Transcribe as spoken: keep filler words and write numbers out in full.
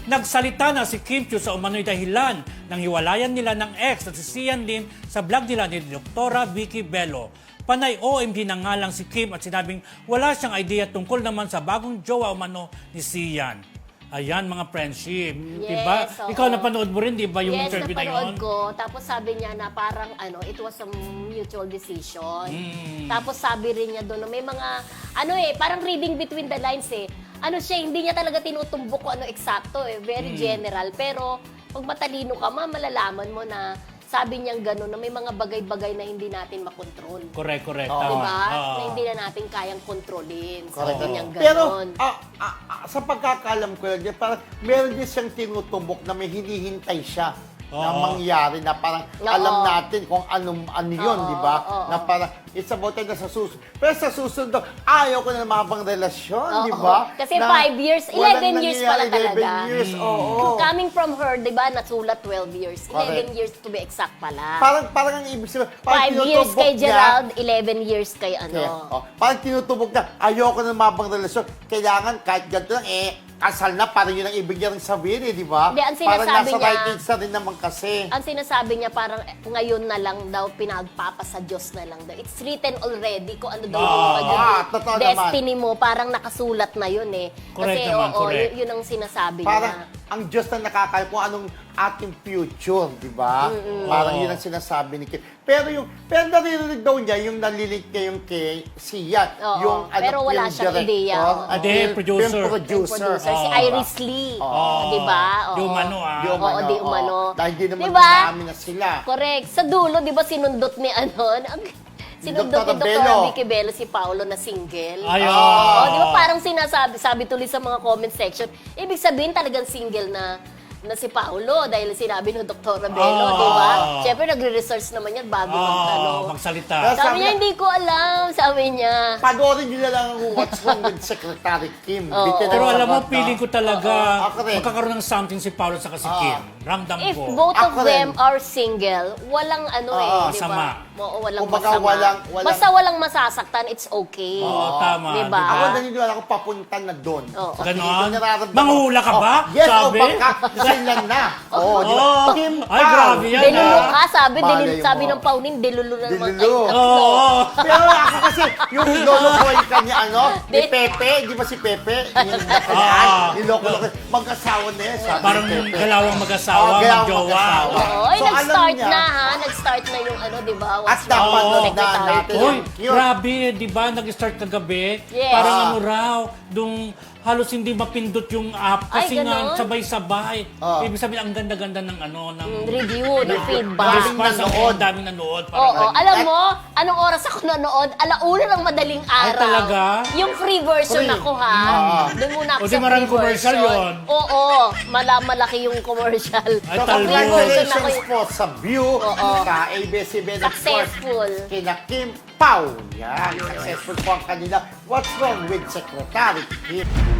Nagsalita na si Kim Chiu sa umano'y dahilan ng hiwalayan nila ng ex na si Sian Lim sa vlog nila ni Doktora Vicky Bello. Panay O M G na nga lang si Kim at sinabing wala siyang idea tungkol naman sa bagong jowa umano ni Sian. Ayan, mga friendship. Yes, diba? oo. Ikaw napanood mo rin, di ba, yung yes, interview na yun? napanood ko. Tapos sabi niya na parang ano, it was a mutual decision. Mm. Tapos sabi rin niya doon na may mga, ano eh, parang reading between the lines eh. Ano siya, hindi niya talaga tinutumbok kung ano eksakto eh. Very Mm. general. Pero pag matalino ka, ma, malalaman mo na sabi niyang gano'n na may mga bagay-bagay na hindi natin makontrol. Correct, correct. Oo. Tama. Diba? Oo. Na hindi na natin kayang kontrolin. Correct. Sabi niyang Pero gano'n. ah, ah, ah, sa pagkakalam ko lang, parang meron din siyang tinutumbok na may hinihintay siya na Oo. mangyari na parang Oo. alam natin kung anong ano yun, Oo, di ba? oo, Na oo. parang it's about time na sa susunod. Pero sa susunod daw, ayaw ko na mabang relasyon, Oo. di ba? Kasi Na five years, walang eleven years pala nangyayari, eleven talaga. years, Mm. oo. Coming from her, di ba, nasulat twelve years. Correct. eleven years to be exact pala. Parang, parang ang ibig sabihin, parang five years tinutubok kay niya, Gerald, eleven years kay Okay. ano. Oh, parang tinutubog na, ayoko na mabang relasyon. Kailangan kahit ganito lang, eh, kasal na, parang yun ang ibig niya rin sabihin, eh, di ba? Hindi, ang Parang sinasabi nasa niya- right age na rin naman kasi. Ang sinasabi niya parang eh, ngayon na lang daw, pinagpapasa Diyos na lang daw. It's written already kung ano daw yung Ah, magiging ah, totoo destiny mo. Parang nakasulat na yun eh. Correct Kasi naman, oo, correct. yun, yun ang sinasabi Parang niya. ang Diyos na nakakaya kung anong ating future, di ba? Parang yun ang sinasabi ni Kim. Pero yung, pero naririnig daw niya, yung nalilink niya yung kay Sian, Oo, yung ano, pero wala film siyang director, ideya, oo. at Hindi, film- producer. film Yung producer. producer, si Oo. Iris Lee. Oo. Di ba? Oo. Di umano, ah. Di Oo, umano, di oo. umano. Dahil di naman Diba? namin na sila. Correct. Sa dulo, di ba sinundot ni ano? ang- Sinundot Doktora ni Doktora Bello. Vicky Bello si Paolo na single. Ay, Oo, oo. di ba parang sinasabi, sabi tuloy sa mga comment section, ibig sabihin talagang single na na si Paolo dahil sinabi ng Doktora Bello, Oo. di ba? Siyempre nagre-research naman yan bago Oo, magtanong. magsalita. Yes. Sabi Sabi niya, niya- hindi ko alam, sabi niya. Panoorin niyo na lang ang What's Wrong with Secretary Kim. Oo. Bitin ang Pero alam mo, sagot, feeling no? ko talaga Oo, ako rin. magkakaroon ng something si Paolo sa si Oo. Kim. Ramdam If ko. both of Ako them rin. are single, walang ano eh, Oo, di sama. ba? Oo, walang Kumbaga, masama. walang- walang- Basta walang masasaktan, it's okay. Oo, tama. Di ba? Ako naniniwala ko papunta na doon. Oo. Kasi Ganon? hindi ko nararamdaman. Manghula ka ba? Oh, yes, Sabi? o baka sila na. Oo, di ba? Oo. Kim Ay, Pao. grabe yan, Delulu ah. ka, sabi, Malay delulu, sabi mo. ng Paunin, delulu na naman Delulu. kayo tatlo. Oo. Pero ako kasi, yung lolo-boy ka ni ano, ni Di- Pepe, di ba si Pepe? Yung Ah. nakaraan, niloko-loko. Mag-asawa na yan, sabi Parang ni Pepe. galawang mag-asawa, Oo, galawang mag-jowa. mag-asawa. Oo, ay, So, alam nag-start niya- na ha, nag-start na yung ano, di ba? At What's dapat wrong with Oo. Secretary natin. Kim? Uy, Yun. grabe, di ba? Nag-start kagabi. Yes. Parang Ah. ano raw, dung halos hindi mapindot yung app Ay, kasi nga ganon? sabay-sabay. Ah. Ibig sabihin, ang ganda-ganda ng ano, ng Mm, Review, ng Daming feedback. response. Ang nanood. daming nanood. Oo, Parang ganun. alam mo, anong oras ako nanood? Alauna ng madaling araw. Ay, talaga? Yung free version Free. ako, ha? Ah. Doon muna ako O, di sa maraming free commercial version. yun. Oo, mala malaki yung commercial. Ay, So, talbo. congratulations po sa view Oo. sa A B S C B N Sports Successful. kina Kim Pao. Yan, successful po ang kanila. What's Wrong with Secretary Kim?